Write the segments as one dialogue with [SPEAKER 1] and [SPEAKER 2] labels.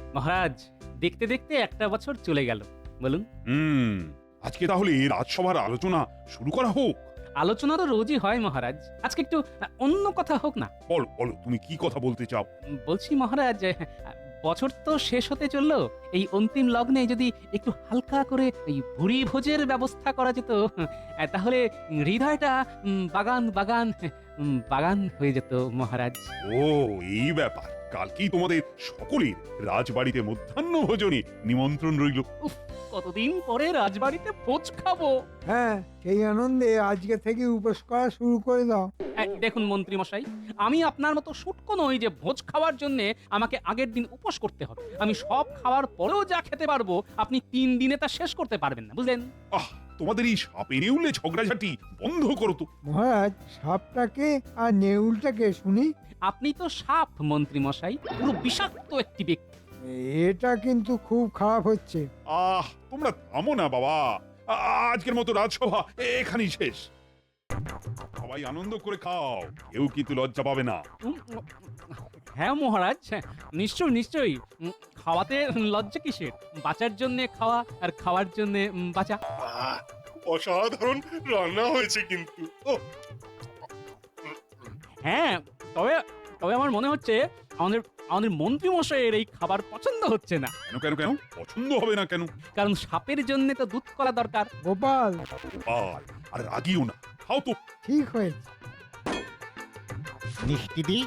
[SPEAKER 1] মহারাজ, দেখতে দেখতে একটা বছর চলে গেল। বলুন।
[SPEAKER 2] আজকে তাহলে রাজসভার আলোচনা শুরু করা হোক।
[SPEAKER 1] আলোচনা তো রোজই হয় মহারাজ, আজকে একটু অন্য কথা হোক না।
[SPEAKER 2] বলো বলো, তুমি কি কথা বলতে চাও?
[SPEAKER 1] বলছি মহারাজ, বছর তো শেষ হতে চললো, এই অন্তিম লগ্নে যদি একটু হালকা করে এই ভুরি ভোজের ব্যবস্থা করা যেত, তাহলে হৃদয়টা বাগান বাগান বাগান হয়ে যেত মহারাজ।
[SPEAKER 2] ও, এই ব্যাপার। কালকেই তোমাদের সকলের রাজবাড়িতে মধ্যাহ্ন ভোজনে নিমন্ত্রণ রইল।
[SPEAKER 1] কতদিন পরে রাজবাড়িতে ভোজ খাবো।
[SPEAKER 3] হ্যাঁ, সেই আনন্দে আজকে থেকে উপোস করা শুরু করে দাও।
[SPEAKER 1] দেখুন মন্ত্রী মশাই, আমি আপনার মতো শুটকো নই যে ভোজ খাওয়ার জন্য আমাকে আগের দিন উপোস করতে হবে। আমি সব খাওয়ার পরেও যা খেতে পারবো, আপনি 3 দিনে তা শেষ করতে পারবেন না, বুঝলেন?
[SPEAKER 2] তোমাদের এই সাপে নেউলে ঝগড়াঝাটি বন্ধ করো তো।
[SPEAKER 3] মহারাজ, সাপটাকে আর নেউলটাকে শুনি।
[SPEAKER 1] আপনি তো সাপ মন্ত্রী মশাই, পুরো বিষাক্ত একটি ব্যক্তি।
[SPEAKER 3] এটা কিন্তু খুব খারাপ হচ্ছে।
[SPEAKER 2] তোমরা থামো না বাবা। আজকের মতো রাজসভা এখানেই শেষ। সবাই আনন্দ করে খাও, কেউ কিন্তু লজ্জা পাবে না।
[SPEAKER 1] হ্যাঁ মহারাজ, নিশ্চয়ই নিশ্চয়ই। খাওয়াতে লজ্জা কিসের? বাঁচার জন্য খাওয়া আর খাওয়ার জন্য বাঁচা।
[SPEAKER 4] অসাধারণ রান্না হয়েছে কিন্তু।
[SPEAKER 1] হ্যাঁ, তবে তবে আমার মনে হচ্ছে আমাদের আমাদের মন্ত্রী মশাইয়ের এই খাবার পছন্দ হচ্ছে না।
[SPEAKER 2] কেন কেন কেন পছন্দ হবে না কেন?
[SPEAKER 1] কারণ সাপের জন্য তো দুধ কলা দরকার।
[SPEAKER 3] গোপাল,
[SPEAKER 2] আর রাগিও না, খাও তো।
[SPEAKER 3] ঠিক হয়েছে।
[SPEAKER 5] মিষ্টি দি।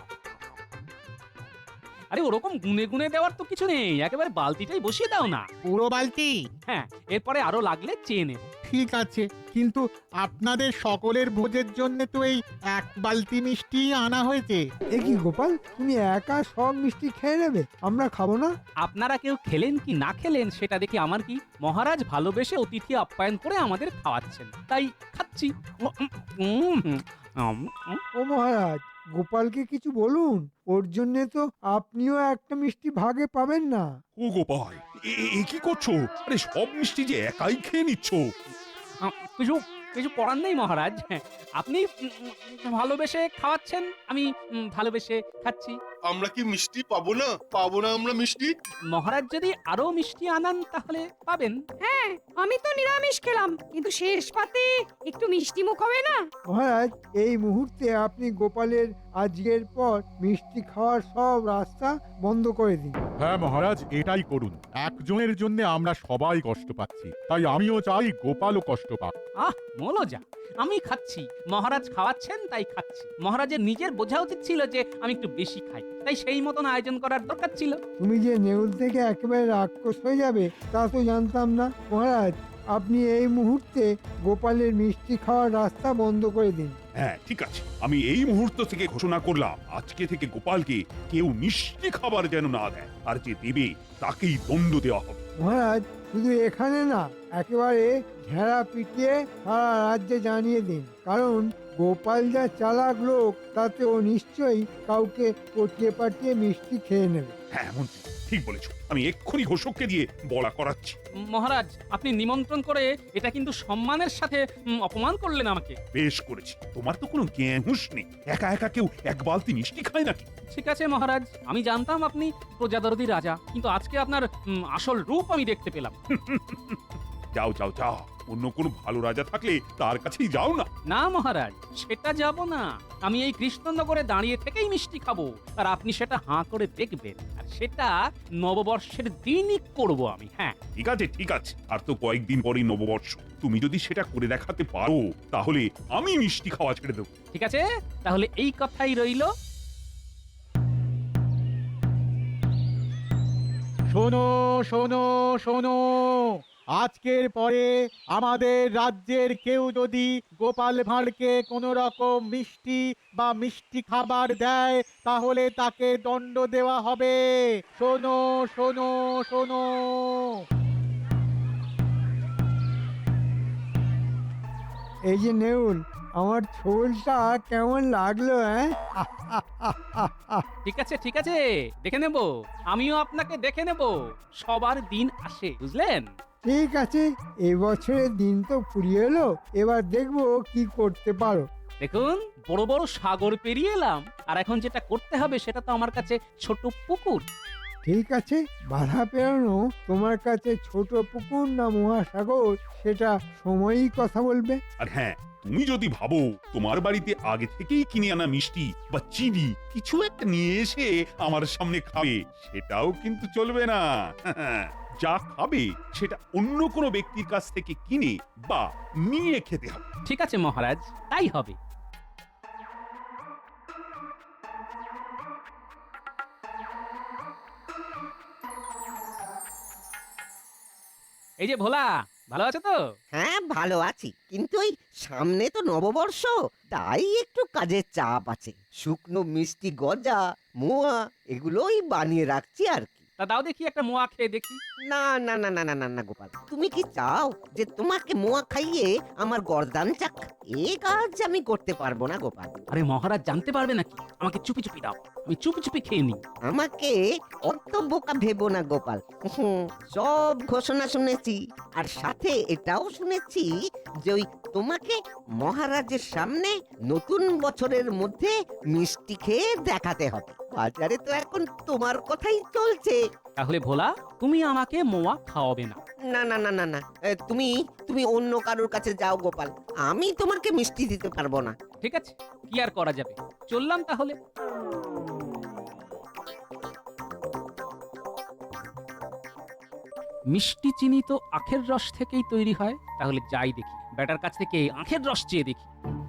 [SPEAKER 1] আরে ওরকম গুনে গুনে দেওয়ার তো কিছু নেই, একেবারে বালতিটাই বসিয়ে দাও না।
[SPEAKER 5] পুরো বালতি?
[SPEAKER 1] হ্যাঁ, এরপরে আরো লাগলে চেয়ে নেব।
[SPEAKER 5] ঠিক আছে, কিন্তু আপনাদের সকলের ভোজের জন্য তো এই 1 বালতি মিষ্টি আনা হয়েছে।
[SPEAKER 3] এ কি গোপাল, তুমি একা সব মিষ্টি খেয়ে নেবে? আমরা খাবো না?
[SPEAKER 1] আপনারা কেউ খেলেন কি না খেলেন সেটা দেখে আমার কি? মহারাজ ভালোবেসে অতিথি আপ্যায়ন করে আমাদের খাওয়াচ্ছেন, তাই খাচ্ছি।
[SPEAKER 3] ও মহারাজ, গোপালকে কিছু বলুন, ওর জন্য তো আপনিও একটা মিষ্টি ভাগে পাবেন না।
[SPEAKER 2] ও গোপাল, এ কি করছো? আরে সব মিষ্টি যে একাই খেয়ে নিচ্ছ।
[SPEAKER 1] কিছু কিছু করার নেই মহারাজ, আপনি ভালোবেসে খাওয়াচ্ছেন, আমি ভালোবেসে খাচ্ছি।
[SPEAKER 4] আমরা কি মিষ্টি পাবো না? পাবো না আমরা মিষ্টি?
[SPEAKER 1] মহারাজ যদি আরো মিষ্টি আনান তাহলে পাবেন।
[SPEAKER 6] হ্যাঁ, আমি তো নিরামিষ খেলাম, কিন্তু শেষ পাতে একটু মিষ্টি মুখ হবে না?
[SPEAKER 3] মহারাজ, এই মুহূর্তে আপনি গোপালের আজকের পর মিষ্টি খাওয়ার সব রাস্তা বন্ধ করে দিন।
[SPEAKER 7] হ্যাঁ মহারাজ, এটাই করুন। একজনের জন্য আমরা সবাই কষ্ট পাচ্ছি, তাই আমিও চাই গোপালও কষ্ট পাক।
[SPEAKER 1] মলজা, আমি খাচ্ছি, মহারাজ খাওয়াচ্ছেন তাই খাচ্ছি। মহারাজের নিজের বোঝা উচিত ছিল যে আমি একটু বেশি খাই, তাই সেই মতন আয়োজন করার দরকার ছিল।
[SPEAKER 3] তুমি যে নেউল থেকে একেবারে রাক্ষস হয়ে যাবে তা তো জানতাম না। মহারাজ, আপনি এই মুহূর্তে গোপালের মিষ্টি খাওয়ার রাস্তা বন্ধ করে দিন।
[SPEAKER 2] হ্যাঁ ঠিক আছে, আমি এই মুহূর্ত থেকে ঘোষণা করলাম, আজকে থেকে গোপালকে কেউ মিষ্টি খাবার যেন না দেয়, আর যে দেবে তাকেই দণ্ড দেওয়া হবে।
[SPEAKER 3] মহারাজ, শুধু এখানে না, একেবারে ঘেরা পিটিয়ে সারা রাজ্যে জানিয়ে দিন, কারণ গোপাল যা চালাক লোক, তাতে ও নিশ্চয়ই কাউকে পটিয়ে পাঠিয়ে মিষ্টি খেয়ে নেবে।
[SPEAKER 2] হ্যাঁ মন্ত্রী, ঠিক বলেছ। আমি এক্ষুনি ঘোষককে দিয়ে বলা করাচ্ছি।
[SPEAKER 1] মহারাজ, আপনি নিমন্ত্রণ করে এটা কিন্তু সম্মানের সাথে অপমান করলেন আমাকে।
[SPEAKER 2] বেশ করেছি, তোমার তো কোনো জ্ঞান হুঁশ নেই। একা একা কেউ 1 বালতি মিষ্টি খায় নাকি?
[SPEAKER 1] ঠিক আছে মহারাজ, আমি জানতাম আপনি প্রজাদরদি রাজা, কিন্তু আজকে আপনার আসল রূপ আমি দেখতে পেলাম।
[SPEAKER 2] যাও যাও যাও, অন্য কোনো ভালো রাজা থাকলে তার কাছেই যাও না।
[SPEAKER 1] না মহারাজ, সেটা যাব না। আমি এই কৃষ্ণনগরে দাঁড়িয়ে থেকেই মিষ্টি খাবো, আর আপনি সেটা হাঁ করে দেখবেন, আর সেটা নববর্ষের দিনই করব আমি। হ্যাঁ
[SPEAKER 2] ঠিক আছে ঠিক আছে, আর তো কয়েকদিন পরেই নববর্ষ। তুমি যদি সেটা করে দেখাতে পারো, তাহলে আমি মিষ্টি খাওয়া ছেড়ে দেবো।
[SPEAKER 1] ঠিক আছে, তাহলে এই কথাই রইল।
[SPEAKER 5] শোনো শোনো শোনো, আজকের পরে আমাদের রাজ্যের কেউ যদি গোপাল ভাঁড়কে কোনো রকম মিষ্টি বা মিষ্টি খাবার দেয়, তাহলে তাকে দণ্ড দেওয়া হবে। শোনো শোনো শোনো।
[SPEAKER 3] এই যে নেউল, আমার ছোলটা কেমন লাগলো?
[SPEAKER 1] ঠিক আছে ঠিক আছে, দেখে নেব, আমিও আপনাকে দেখে নেব। সবার দিন আসে, বুঝলেন?
[SPEAKER 3] ঠিক আছে, এবছরের দিন তো ফুরিয়ে এলো, এবার দেখবো কি করতে পারো।
[SPEAKER 1] দেখুন, বড় বড় সাগর পেরিয়ে এলাম, আর এখন যেটা করতে হবে সেটা তো আমার কাছে ছোট পুকুর।
[SPEAKER 3] ঠিক আছে, বাধা পেরানো তোমার কাছে ছোট পুকুর না মহাসাগর সেটা সময়ই কথা বলবে।
[SPEAKER 2] আর হ্যাঁ, তুমি যদি ভাবো তোমার বাড়িতে আগে থেকেই কিনে আনা মিষ্টি বা চিনি কিছু একটা নিয়ে এসে আমার সামনে খাবে, সেটাও কিন্তু চলবে না। যা খাবে সেটা অন্য কোনো ব্যক্তির কাছ থেকে কিনে বা নিয়ে খেতে হবে।
[SPEAKER 1] ঠিক আছে মহারাজ, তাই হবে। এই যে ভোলা, ভালো আছো তো?
[SPEAKER 8] হ্যাঁ ভালো আছি, কিন্তু ওই সামনে তো নববর্ষ, তাই একটু কাজের চাপ আছে। শুকনো মিষ্টি গজা, মোয়া এগুলোই বানিয়ে রাখছি আর কি।
[SPEAKER 1] তা দাও দেখি একটা মোয়া খেয়ে দেখি।
[SPEAKER 8] না না না না না না না গোপাল, তুমি কি চাও যে তোমাকে মোয়া খাইয়ে আমার গর্দান চাক? এ কাজ আমি করতে পারবো না গোপাল।
[SPEAKER 1] আরে মহারাজ জানতে পারবে নাকি? আমাকে চুপি চুপি দাও, আমি চুপি চুপি খেয়ে নিই।
[SPEAKER 8] আমাকে অত বোকা ভেবো না গোপাল। সব ঘোষণা শুনেছি, আর সাথে এটাও শুনেছি যে ওই তোমাকে মহারাজের সামনে নতুন বছরের মধ্যে মিষ্টি খেয়ে দেখাতে হবে। বাজারে তো এখন তোমার কথাই চলছে।
[SPEAKER 1] তাহলে ভোলা, তুমি আমাকে মোয়া খাওয়াবে না?
[SPEAKER 8] না না না না না, তুমি তুমি অন্য কারোর কাছে যাও গোপাল, আমি তোমাকে মিষ্টি দিতে পারবো না।
[SPEAKER 1] ঠিক আছে, কি আর করা যাবে, চললাম তাহলে। মিষ্টি চিনি তো আখের রস থেকেই তৈরি হয়, তাহলে যাই দেখি ব্যাটার কাছ থেকে আখের রস চেয়ে দেখি।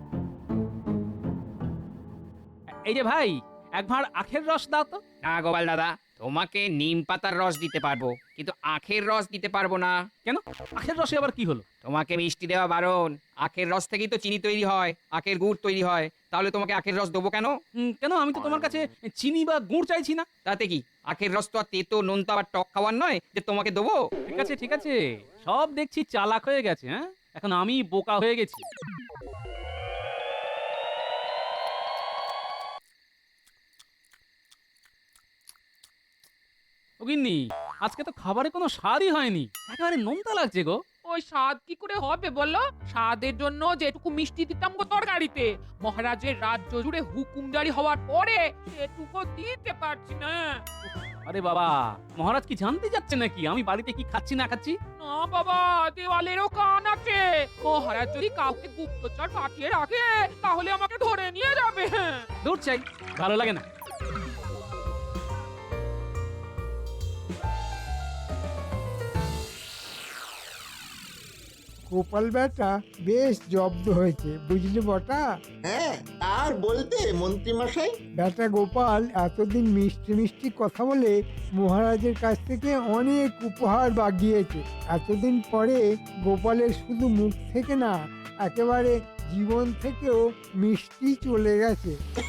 [SPEAKER 1] এই যে ভাই, এক ভাঁড় আখের রস দাও তো।
[SPEAKER 9] না গোপাল দাদা, তোমাকে নিম পাতার রস দিতে পারবো, কিন্তু আখের রস দিতে পারবো না।
[SPEAKER 1] কেন? আখের রসে আবার কি হলো?
[SPEAKER 9] তোমাকে মিষ্টি দেওয়া বারণ। আখের রস থেকেই তো চিনি তৈরি হয়, আখের গুড় তৈরি হয়, তাহলে তোমাকে আখের রস দেবো কেন?
[SPEAKER 1] কেন? আমি তো তোমার কাছে চিনি বা গুড় চাইছি না।
[SPEAKER 9] তাতে কি, আখের রস তো আর তেতো নোনতা বা টক খাওয়ার নয় যে তোমাকে দেবো।
[SPEAKER 1] ঠিক আছে ঠিক আছে, সব দেখছি চালাক হয়ে গেছে। হ্যাঁ, এখন আমি বোকা হয়ে গেছি। গিন্নি, আজকে তো খাবারে কোনো স্বাদই হয়নি, একেবারে নোনতা লাগছে গো।
[SPEAKER 10] ওই স্বাদ কি করে হবে বলো? স্বাদের জন্য যেটুকু মিষ্টি দিতাম গো তরকারিতে, মহারাজের রাজ্য জুড়ে হুকুমদারি হওয়ার পরে সেটুকু দিতে পারছি না।
[SPEAKER 1] আরে বাবা, মহারাজ কি জানতে যাচ্ছে নাকি আমি বাড়িতে কি খাচ্ছি না খাচ্ছি?
[SPEAKER 10] না বাবা, দেওয়ালেরও কান আছে। মহারাজ যদি কাউকে গুপ্তচর পাঠিয়ে রাখে, তাহলে আমাকে ধরে নিয়ে যাবে।
[SPEAKER 1] দূর চাই, ভালো লাগে না।
[SPEAKER 3] গোপাল বেটা বেশ জব্দ হয়েছে, বুঝলি বটা?
[SPEAKER 11] হ্যাঁ, আর বলতে মন্ত্রী মশাই,
[SPEAKER 3] বেটা গোপাল এতদিন মিষ্টি মিষ্টি কথা বলে মহারাজের কাছ থেকে অনেক উপহার বাগিয়েছে। এতদিন পরে গোপালের শুধু মুখ থেকে না, একেবারে জীবন থেকেও মিষ্টি চলে গেছে।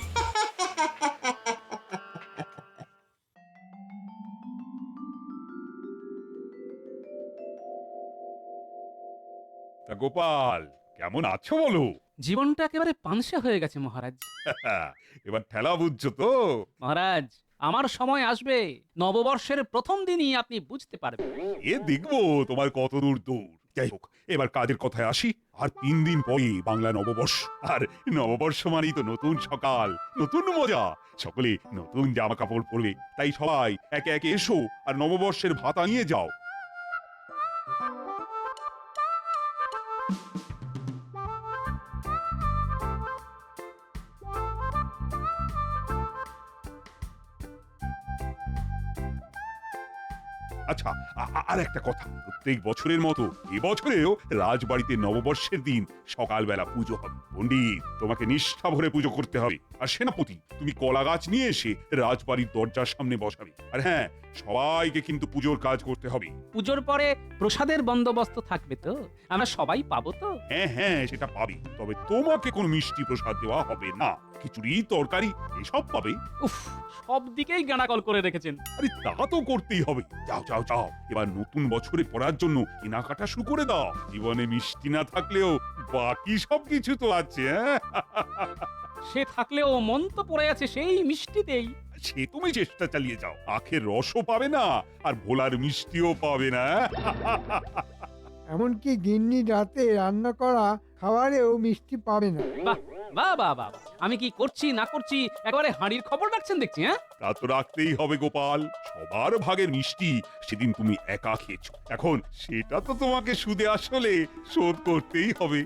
[SPEAKER 2] তা গোপাল, কেমন আছো বলো?
[SPEAKER 1] জীবনটা একেবারে পানসে হয়ে গেছে মহারাজ।
[SPEAKER 2] এবার ঠেলা বুঝছো তো?
[SPEAKER 1] মহারাজ, আমার সময় আসবে, নববর্ষের প্রথম দিনই আপনি বুঝতে পারবেন।
[SPEAKER 2] এ দেখবো তোমার কত দূর দূর। যাই হোক, এবার কাজের কথায় আসি। আর 3 দিন পরে বাংলা নববর্ষ, আর নববর্ষ মানেই তো নতুন সকাল, নতুন মজা। সকলে নতুন জামা কাপড় পরবে, তাই সবাই একে একে এসো আর নববর্ষের ভাতা নিয়ে যাও। আচ্ছা, আর একটা কথা, প্রত্যেক বছরের মতো এবছরেও রাজবাড়িতে নববর্ষের দিন সকালবেলা পুজো হবে। পণ্ডিত, তোমাকে নিষ্ঠা ভরে পুজো করতে হবে। আর সেনাপতি, তুমি কলা গাছ নিয়ে এসে রাজবাড়ির দরজার সামনে বসাবে। আর হ্যাঁ, সবাইকে কিন্তু পুজোর কাজ করতে হবে।
[SPEAKER 1] পুজোর পরে প্রসাদের বন্দোবস্ত থাকবে তো? আমরা সবাই পাবো তো?
[SPEAKER 2] হ্যাঁ হ্যাঁ, সেটা পাবে, তবে তোমাকে কোনো মিষ্টি প্রসাদ দেওয়া হবে না। খিচুড়ি, তরকারি এসব পাবে।
[SPEAKER 1] উফ, সব দিকেই গানাকল করে রেখেছেন।
[SPEAKER 2] আরে তা তো করতেই হবে। যাও যাও যাও, এবার নতুন বছরে পড়ার জন্য কেনাকাটা শুরু করে দাও। জীবনে মিষ্টি না থাকলেও বাকি সবকিছু তো আছে। হ্যাঁ,
[SPEAKER 1] সে থাকলেও মন তো পড়ে আছে সেই মিষ্টিতেই।
[SPEAKER 2] সে তুমি চেষ্টা চালিয়ে যাও। আখের রসও পাবে না, আর ভোলার মিষ্টিও পাবে না।
[SPEAKER 3] এমনকি গিন্নি রাতে রান্না করা খাবারেও মিষ্টি পাবে না।
[SPEAKER 1] বাহ, বাহ বাহ বাহ, আমি কি করছি না করছি একেবারে হাঁড়ির খবর রাখছেন দেখছি। হ্যাঁ,
[SPEAKER 2] তা তো রাখতেই হবে গোপাল, সবার ভাগের মিষ্টি সেদিন তুমি একা খেয়েছো, এখন সেটা তো তোমাকে সুদে আসলে শোধ করতেই হবে।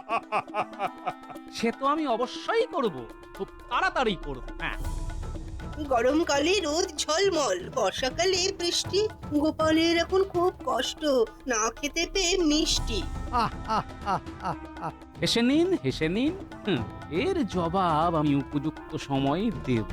[SPEAKER 1] সে তো আমি অবশ্যই করব, খুব তাড়াতাড়ি করব। হ্যাঁ,
[SPEAKER 12] গরমকালে রোদ ঝলমল, বর্ষাকালে বৃষ্টি, গোপালের এখন খুব কষ্ট না খেতে পেয়ে মিষ্টি।
[SPEAKER 3] আহ আহ আহ আহ আহ
[SPEAKER 1] হেসে নিন হেসে নিন, এর জবাব আমি উপযুক্ত সময়ে দেব।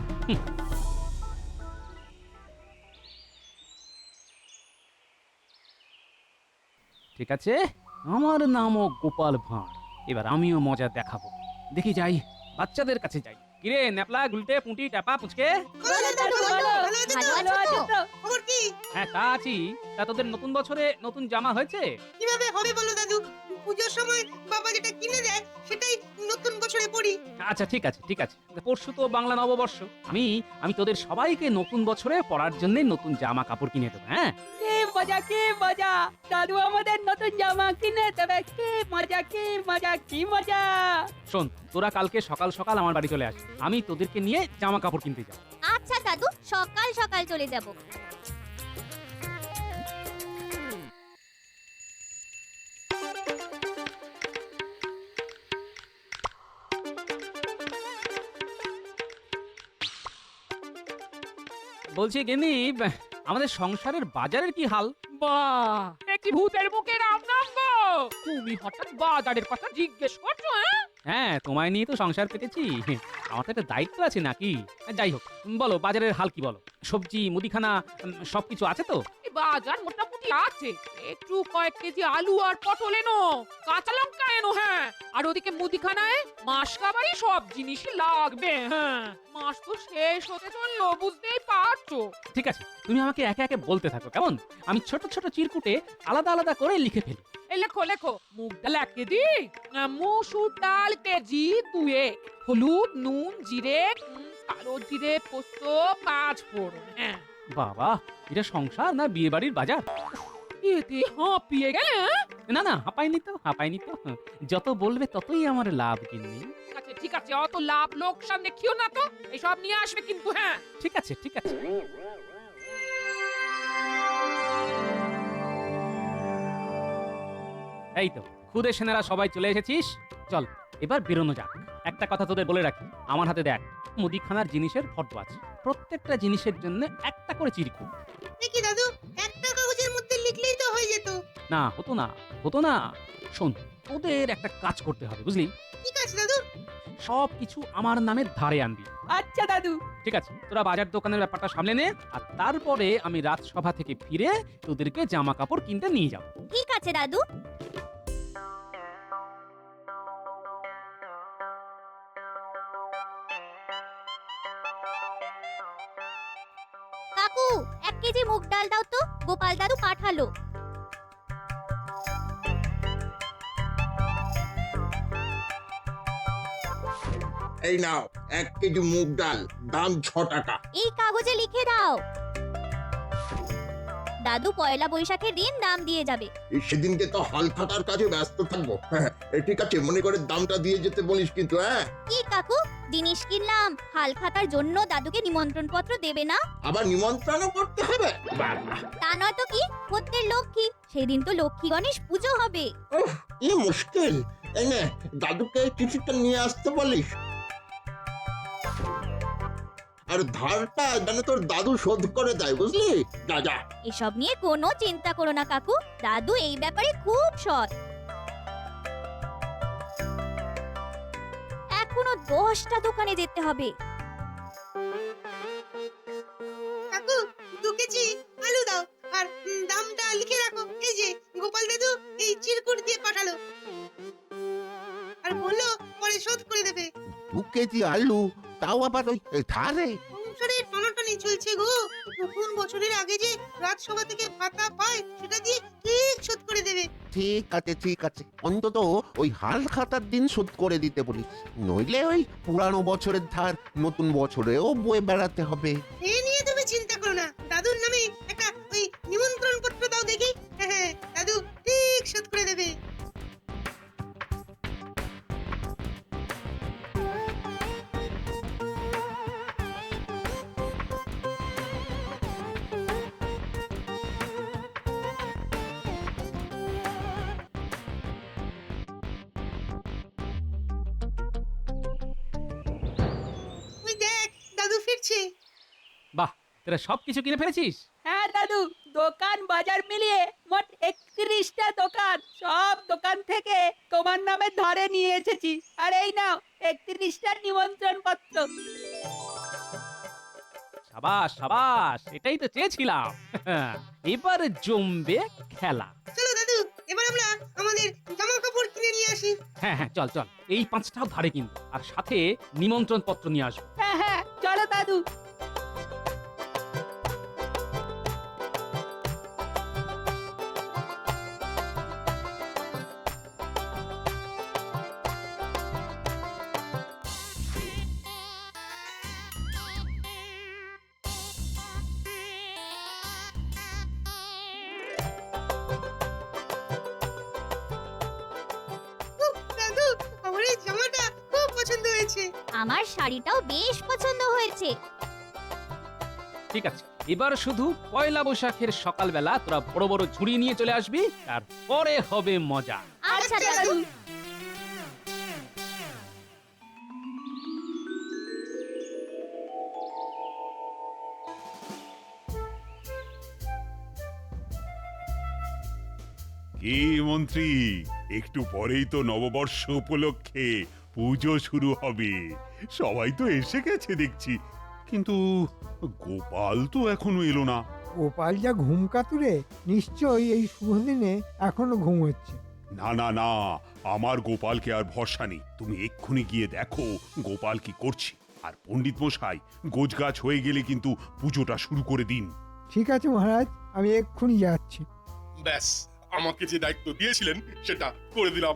[SPEAKER 1] ঠিক আছে, আমার নামও গোপাল ভাঁড়, এবার আমিও মজা দেখাবো। দেখি যাই, বাচ্চাদের কাছে যাই। কিরে ন্যাপলা, গুলটে, পুঁটি, টাপা, পুচকে?
[SPEAKER 12] খবর কি?
[SPEAKER 1] হ্যাঁ, তা আছি। তা তোদের নতুন বছরে নতুন জামা হয়েছে?
[SPEAKER 12] কিভাবে হবে বলো দাদু, পুজোর সময় বাবা যেটা কিনে দেয় সেটাই নতুন বছরে পরি।
[SPEAKER 1] আচ্ছা ঠিক আছে ঠিক আছে, পরশু তো বাংলা নববর্ষ, আমি তোদের সবাইকে নতুন বছরে পরার জন্য নতুন জামা কাপড় কিনে দেবো। হ্যাঁ,
[SPEAKER 6] কি মজা কি মজা, দাদু আমাদের নতুন জামা কিনে দেবে। কি মজা কি মজা কি মজা।
[SPEAKER 1] শোন, তোরা কালকে সকাল সকাল আমার বাড়ি চলে আসবি, আমি তোদেরকে নিয়ে জামা কাপড় কিনতে যাব।
[SPEAKER 6] আচ্ছা দাদু, সকাল সকাল চলে যাব।
[SPEAKER 1] বলছি গিন্নি, আমাদের সংসারের বাজারের কি হাল?
[SPEAKER 10] বাহ, একটি ভূতের মুখে রাম নাম গো। তুমি হঠাৎ বাজারের কথা জিজ্ঞেস করছো?
[SPEAKER 1] হ্যাঁ, তোমায় নিয়ে তো সংসার পেতেছি, আমার তো একটা দায়িত্ব আছে নাকি। যাই হোক, বলো বাজারের হাল কি বলো। সবজি, মুদিখানা সবকিছু আছে তো?
[SPEAKER 10] বাজার মোটামুটি আছে, একটু কয়েক কেজি আলু আর পটল এনো, কাঁচা লঙ্কা এনো। হ্যাঁ, আর ওদিকে মুদিখানায় মাস কাবারই সব জিনিসই লাগবে। হ্যাঁ, মাস তো শেষ হতে চললো, বুঝতেই পারছো।
[SPEAKER 1] ঠিক আছে, তুমি আমাকে একে একে বলতে থাকো কেমন, আমি ছোট ছোট চিরকুটে আলাদা আলাদা করে লিখে ফেলি।
[SPEAKER 10] এই লেখো লেখো, মুগ ডাল 1 কেজি, মসুর ডাল কেজি 2, হলুদ, নুন, জিরে, কালো জিরে, পোস্ত, 5 ফোড়ন। হ্যাঁ,
[SPEAKER 1] বাবা, এটা সংসার না বিয়ে বাড়ির বাজার?
[SPEAKER 10] এতে হাঁপিয়ে গেলে।
[SPEAKER 1] না না, হাঁপাইনি তো, যত বলবে ততই আমার লাভ গিন্নি।
[SPEAKER 10] ঠিক আছে, অত লাভ লোকসান দেখিও না তো, এসব নিয়ে আসবে কিন্তু। হ্যাঁ,
[SPEAKER 1] ঠিক আছে ঠিক আছে। এই তো খুদে সেনারা সবাই চলে এসেছিস, চল এবার বেরোনো যাক। একটা কথা তোদের বলে রাখি, আমার হাতে দেখ মুদিখানার জিনিসের ফটো আছে, প্রত্যেকটা জিনিসের জন্য একটা করে চিরকুট।
[SPEAKER 12] দেখি দাদু, একটা কাগজের মধ্যে লিখলেই তো হয়ে যেত।
[SPEAKER 1] না, হতো না। শোন, তোদের একটা কাজ করতে হবে, বুঝলি?
[SPEAKER 12] ঠিক আছে দাদু।
[SPEAKER 1] সব কিছু আমার নামে ধারে আনবি।
[SPEAKER 6] আচ্ছা দাদু।
[SPEAKER 1] ঠিক আছে, তোরা বাজার দোকানের ব্যাপারটা সামলে নে, আর তারপরে আমি রাজসভা থেকে ফিরে তোদেরকে জামা কাপড় কিনতে নিয়ে যাব।
[SPEAKER 6] ঠিক আছে দাদু। কাকু, 1 কেজি মুগ ডাল দাও তো, গোপাল দাদু পাঠালো।
[SPEAKER 11] এই নাও 1 কেজি মুগ ডাল, দাম 6 টাকা।
[SPEAKER 6] এই কাগজে লিখে দাও। দাদু পয়লা বৈশাখের দিন দাম দিয়ে যাবে।
[SPEAKER 11] সেদিনকে তো হাল খাতার কাজে ব্যস্ত থাকবো। হ্যাঁ, ঠিক আছে, মনে করে দামটা দিয়ে যেতে বলিস কিন্তু। হ্যাঁ,
[SPEAKER 6] কি কাকু, জিনিস কিনলাম, হাল খাতার জন্য দাদুকে নিমন্ত্রণ পত্র দেবে না?
[SPEAKER 11] আবার নিমন্ত্রণ করতে হবে? বাবা,
[SPEAKER 6] তা নয় তো কি, প্রত্যেক লক্ষ্মী, সেদিন তো লক্ষ্মী গণেশ পুজো হবে।
[SPEAKER 11] কি মুশকিল। এই নে, দাদুকে চিঠিটা নিয়ে আসতে বলিস। আর ধারটা যেন তোর দাদু শোধ করে দেয়, বুঝলি? যা যা।
[SPEAKER 6] এসব নিয়ে কোনো চিন্তা করো না কাকু, দাদু এই ব্যাপারে খুব সৎ। এখনো 10টা দোকানে যেতে হবে।
[SPEAKER 12] কাকু, 2 কেজি আলু দাও, আর দামটা লিখে রাখো। এই যে গোপাল দাদু এই চিরকুট দিয়ে পাঠালো, আর বললো পরে শোধ করে দেবে।
[SPEAKER 11] 2 কেজি আলু, তাও আবার ওই ধারে?
[SPEAKER 12] সংসারের টানাটানি চলছে গো, নতুন বছরের আগে যে রাজসভা থেকে ভাতা পায় সেটা দিয়ে ঠিক শোধ করে দেবে।
[SPEAKER 11] ঠিক আছে, অন্তত ওই হাল খাতার দিন শোধ করে দিতে বলিস, নইলে ওই পুরানো বছরের ধার নতুন বছরেও বয়ে বেড়াতে হবে।
[SPEAKER 12] এ নিয়ে তুমি চিন্তা করো না, দাদুর নামে একটা ওই নিমন্ত্রণ পত্র দাও দেখি। হ্যাঁ, দাদু ঠিক শোধ করে দেবে। দেখছে।
[SPEAKER 1] বাহ, তোরা সবকিছু কিনে ফেলেছিস?
[SPEAKER 6] হ্যাঁ দাদু, দোকান বাজার মিলিয়ে মোট 31টা দোকান, সব দোকান থেকে তোমার নামে ধরে নিয়ে এসেছি। আর এই নাও 31টা নিমন্ত্রণ পত্র।
[SPEAKER 1] সাবাস সাবাস, এটাই তো চেয়েছিলাম। এবার জমবে খেলা।
[SPEAKER 12] চলো দাদু, এবার আমরা আমাদের জামা কাপড় কিনে নিয়ে আসি।
[SPEAKER 1] হ্যাঁ হ্যাঁ, চল চল, এই 5টাও ধারে কিন্তু, আর সাথে নিমন্ত্রণ পত্র নিয়ে আসবো।
[SPEAKER 6] হ্যাঁ হ্যাঁ, চলো দাদু।
[SPEAKER 12] উফ, দাদু, আমার এই জামাটা খুব পছন্দ হয়েছে।
[SPEAKER 13] আমার শাড়িটাও বেশ পছন্দ হয়েছে।
[SPEAKER 1] ঠিক আছে, এবার শুধু পয়লা বৈশাখের সকালবেলা তোরা বড় বড় ঝুড়ি নিয়ে চলে আসবি, তারপরে হবে মজা।
[SPEAKER 13] আচ্ছা দাদু।
[SPEAKER 2] কি মন্ত্রী, একটু পরেই তো নববর্ষ উপলক্ষে পুজো শুরু হবে। সবাই তো এসে গেছে দেখছি, কিন্তু গোপাল তো এখনো এলো না।
[SPEAKER 3] গোপাল যা ঘুম কাতুরে, নিশ্চয়ই এই শুভ দিনে এখনো ঘুম হচ্ছে।
[SPEAKER 2] না না না, আমার গোপালকে আর ভরসা নেই। তুমি এক্ষুনি গিয়ে দেখো গোপাল কি করছে। আর পণ্ডিত মশাই, গোছগাছ হয়ে গেলে কিন্তু পুজোটা শুরু করে দিন।
[SPEAKER 3] ঠিক আছে মহারাজ, আমি এক্ষুনি যাচ্ছি।
[SPEAKER 4] ব্যাস, আমাকে যে দায়িত্ব দিয়েছিলেন সেটা করে দিলাম।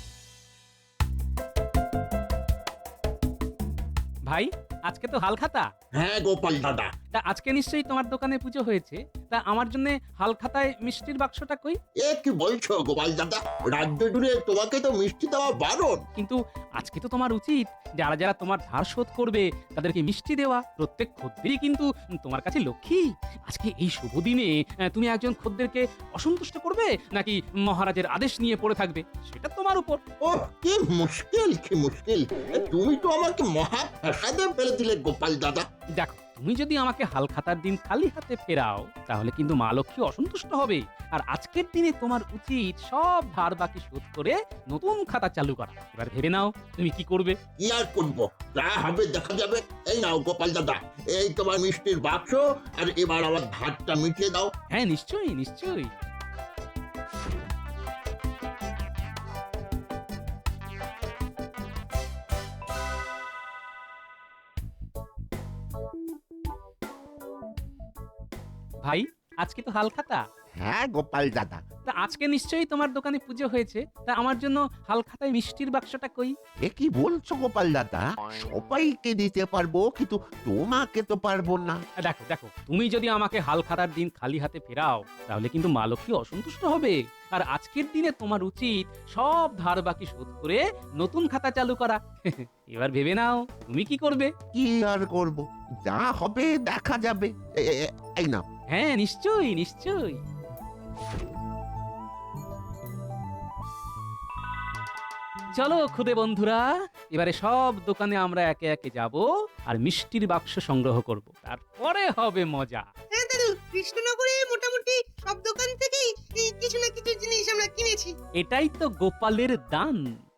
[SPEAKER 1] ভাই, আজকে তো হালখাতা।
[SPEAKER 11] হ্যাঁ গোপাল দাদা,
[SPEAKER 1] তা আজকে নিশ্চয়ই তোমার দোকানে পুজো হয়েছে। তা আমার জন্য হালখাতায় মিষ্টির বাক্সটা কই?
[SPEAKER 11] এ কি বলছো গোপাল দাদা? রাজ্য জুড়ে তোমাকে তো মিষ্টি দেওয়া বারণ।
[SPEAKER 1] কিন্তু আজকে তো তোমার উচিত যারা যারা তোমার ধার শোধ করবে তাদেরকে মিষ্টি দেওয়া। প্রত্যেক খদ্দেরই কিন্তু তোমার কাছে লক্ষ্মী। আজকে এই শুভ দিনে তুমি একজন খদ্দেরকে অসন্তুষ্ট করবে নাকি মহারাজের আদেশ নিয়ে পড়ে থাকবে, সেটা তোমার উপর।
[SPEAKER 11] ও কি মুশকিল, কি মুশকিল! তুমি তো আমাকে মহা ফ্যাসাদে ফেলে দিলে গোপাল দাদা।
[SPEAKER 1] দেখো, তুমি যদি আমাকে হালখাতার দিন খালি হাতে ফেরাও তাহলে কিন্তু মা লক্ষ্মী অসন্তুষ্ট হবে। আর আজকের দিনে তোমার উচিত সব ধার বাকি শোধ করে নতুন খাতা চালু করা। এবার ভেবে নাও তুমি কি করবে।
[SPEAKER 11] কি আর করবো, যা হবে দেখা যাবে। এই নাও গোপাল দাদা, এই তোমার মিষ্টির বাক্স, আর এবার আমার ধারটা মিটিয়ে দাও।
[SPEAKER 1] হ্যাঁ, নিশ্চয়ই নিশ্চয়ই। ভাই, আজকে তো হালখাতা।
[SPEAKER 11] হ্যাঁ গোপাল দাদা।
[SPEAKER 1] তা আজকে নিশ্চয়ই তোমার দোকানে পুজো হয়েছে। তা আমার জন্য হালখাতায় মিষ্টির বাক্সটা কই?
[SPEAKER 11] এ কি বলছো গোপাল দাদা? সবাইকে দিতে পারবো, কিন্তু তোমাকে তো পারবো না।
[SPEAKER 1] দেখো দেখো, তুমি যদি আমাকে হালখাতার দিন খালি হাতে ফেরাও তাহলে কিন্তু মা লক্ষ্মী অসন্তুষ্ট হবে। আর আজকের দিনে তোমার উচিত সব ধার বাকি শোধ করে নতুন খাতা চালু করা। এবার ভেবে নাও তুমি কি করবে।
[SPEAKER 11] কি আর করব, যা হবে দেখা যাবে। এই নাও।
[SPEAKER 1] হ্যাঁ, নিশ্চয়ই নিশ্চয়ই। চলো খুদে বন্ধুরা, এবারে সব দোকানে আমরা একে একে যাব আর মিষ্টির বাক্স সংগ্রহ করব, তারপরে হবে মজা।
[SPEAKER 12] হ্যাঁ দাদু, কৃষ্ণনগরে মোটামুটি সব দোকান থেকেই এই কিছু না কিছু জিনিস আমরা কিনেছি।
[SPEAKER 1] এটাই তো গোপালের দান।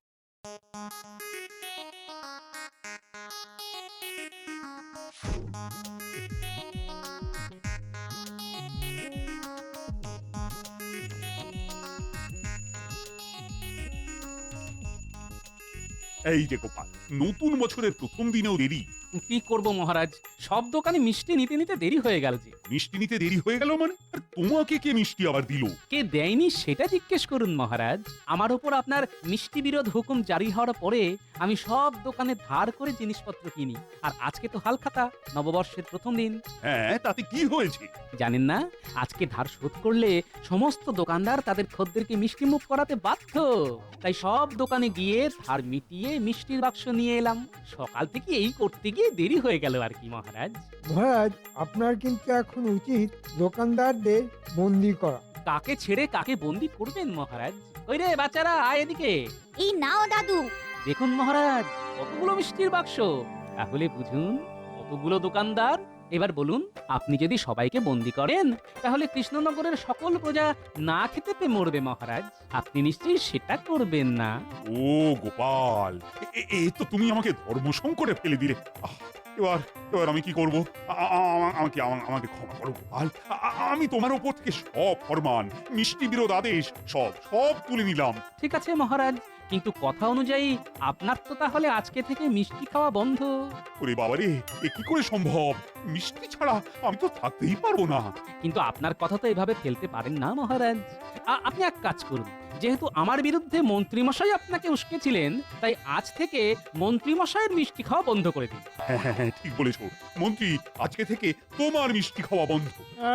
[SPEAKER 2] এই যে গোপাল, নতুন বছরের প্রথম দিনেও দেরি।
[SPEAKER 1] কি করব মহারাজ, সব দোকানে মিষ্টি নিতে নিতে দেরি হয়ে গেল যে।
[SPEAKER 2] মিষ্টি নিতে দেরি হয়ে গেল মানে? আর তোমাকে কে মিষ্টি আবার দিল?
[SPEAKER 1] কে দেয়নি সেটা জিজ্ঞেস করুন মহারাজ। আমার উপর আপনার মিষ্টি বিরোধ হুকুম জারি হওয়ার পরে আমি সব দোকানে ধার করে জিনিসপত্র কিনি। আর আজকে তো হালখাতা, নববর্ষের প্রথম দিন।
[SPEAKER 2] হ্যাঁ, তাতে কি হয়েছে?
[SPEAKER 1] জানেন না, আজকে ধার শোধ করলে সমস্ত দোকানদার তাদের খদ্দেরকে মিষ্টি মুখ করাতে বাধ্য। তাই সব দোকানে গিয়ে ধার মিটিয়ে মিষ্টির বাক্স নিয়ে এলাম। সকাল থেকে এই করতে গিয়ে দেরি হয়ে গেল আর কি মহারাজ।
[SPEAKER 3] মহারাজ, আপনার কিন্তু এখন উচিত দোকানদারদের বন্দি করা।
[SPEAKER 1] কাকে ছেড়ে কাকে বন্দি করবেন মহারাজ? ওই রে বাচ্চারা, আয় এদিকে।
[SPEAKER 13] এই নাও দাদু।
[SPEAKER 1] দেখুন মহারাজ, কতগুলো মিষ্টির বাক্স। তাহলে বুঝুন কতগুলো দোকানদার। এবার বলুন, আপনি যদি সবাইকে বন্দি করেন তাহলে কৃষ্ণনগরের সকল প্রজা না খেতে পেয়ে মরবে মহারাজ। আপনি নিশ্চয়ই সেটা করবেন না।
[SPEAKER 2] ও গোপাল, এ তো তুমি আমাকে ধর্ম সংকটে ফেলে দিলে। আহ, এবার এবার আমি কি করব? আমাকে ক্ষমা করো গোপাল। আমি তোমার উপর থেকে সব ফরমান, মিষ্টি বিরোধ আদেশ সব তুলে নিলাম।
[SPEAKER 1] ঠিক আছে মহারাজ, কিন্তু কথা অনুযায়ী আপনার তো তাহলে আজকে থেকে মিষ্টি খাওয়া বন্ধ।
[SPEAKER 2] ওরে বাবারে, এ কি করে সম্ভব? মিষ্টি ছাড়া আমি তো থাকতেই পারবো না।
[SPEAKER 1] কিন্তু আপনার কথা তো এভাবে ফেলতে পারেন না মহারাজ। আপনি এক কাজ করুন, যেহেতু আমার বিরুদ্ধে মন্ত্রীমশাই আপনাকে উস্কেছিলেন, তাই আজ থেকে মন্ত্রীমশাইয়ের মিষ্টি খাওয়া বন্ধ করে দিন।
[SPEAKER 2] হ্যাঁ, ঠিক বলেছো মন্ত্রী, আজকে থেকে তোমার মিষ্টি খাওয়া বন্ধ।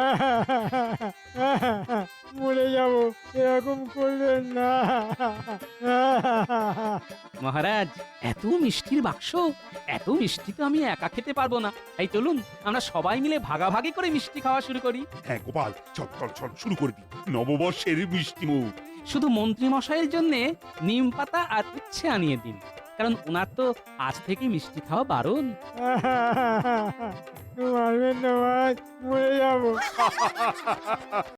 [SPEAKER 3] মরে যাব, এরকম করবেন না।
[SPEAKER 1] মহারাজ, এত মিষ্টির বাক্স, এত মিষ্টি তো আমি একা খেতে পারবো না। তাই চলুন আমরা সবাই মিলে ভাগাভাগি করে মিষ্টি খাওয়া শুরু করি।
[SPEAKER 2] হ্যাঁ গোপাল, চল শুরু করে দিই নববর্ষের মিষ্টি মুখ।
[SPEAKER 1] শুধু মন্ত্রী মশাইয়ের জন্য নিম পাতা আর উচ্ছে আনিয়ে দিন, কারণ ওনার তো আজ থেকে মিষ্টি খাওয়া বারণ।
[SPEAKER 3] মারবেন না, মরে যাব।